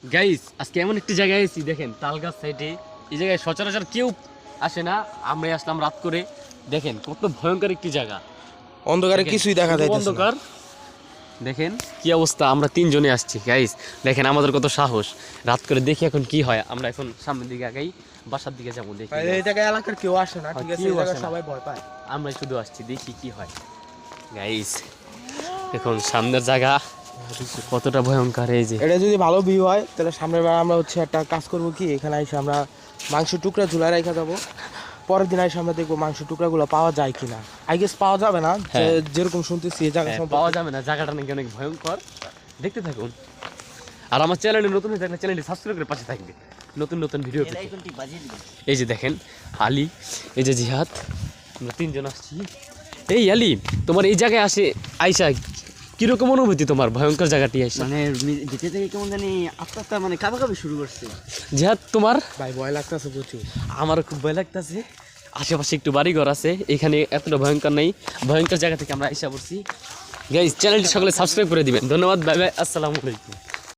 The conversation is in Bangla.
গাইস আজকে এমন একটি জায়গায় এসেছি, দেখেন তালগাছ সাইডে। এই জায়গায় সচরাচর কেউ আসে না, আমরাই আসলাম রাত করে। দেখেন কত ভয়ঙ্কর একটি জায়গা, অন্ধকারে কিছুই দেখা যায় অন্ধকার। দেখেন কি অবস্থা, আমরা তিনজনে আসছি গাইস। দেখেন আমাদের কত সাহস, রাত করে দেখি এখন কি হয়। আমরা এখন সামনের দিকে আগাই, বাসার দিকে যাবো। দেখি এই জায়গায় এলাকার কেউ আসে না, ঠিক আছে, কেউ এই জায়গায় আসে না। সবাই ভয় পায়। আমরাই শুধু আসছি, দেখি কি হয় গাইস। এখন সামনের জায়গা কতটা ভয়ঙ্কর। এই যে এটা যদি ভালো ভিউ হয় তাহলে সামনের বার আমরা হচ্ছে একটা কাজ করবো কি, এখানে এসে আমরা মাংস টুকরা ঝুলায় রেখে যাবো। পরের দিন এসে আমরা দেখবো মাংস টুকরাগুলো পাওয়া যায় কিনা। আই গেস পাওয়া যাবে না, যেরকম শুনতেছি এই জায়গা সম্পর্কে পাওয়া যাবে না, জায়গাটা নাকি অনেক ভয়ঙ্কর। দেখতে থাকুন, আর আমার চ্যানেলে নতুন হয়ে থাকলে চ্যানেলটি সাবস্ক্রাইব করে পাশে থাকবে নতুন নতুন ভিডিও পেতে। এই যে দেখেন আলী, এই যে জিহাদ, আমরা তিনজন আসছি। এই আলী, তোমার এই জায়গায় আসে আইসা কিরকম অনুভূতি তোমার ভয়ঙ্কর জায়গাটি আইসা? মানে ভিতর থেকে কেমন জানি আস্তে আস্তে মানে কাঁপাকাঁপি শুরু করছে। জিহাদ তোমার? ভাই ভয় লাগতেছে প্রচুর। আমারও খুব ভয় লাগতেছে। আশেপাশে একটু বাড়িঘর আছে, এখানে এতটা ভয়ঙ্কর নেই। ভয়ঙ্কর জায়গা থেকে আমরা আইসা পড়ছি গাইস। চ্যানেলটি সকলে সাবস্ক্রাইব করে দিবেন। ধন্যবাদ, বাই বাই, আসসালামু আলাইকুম।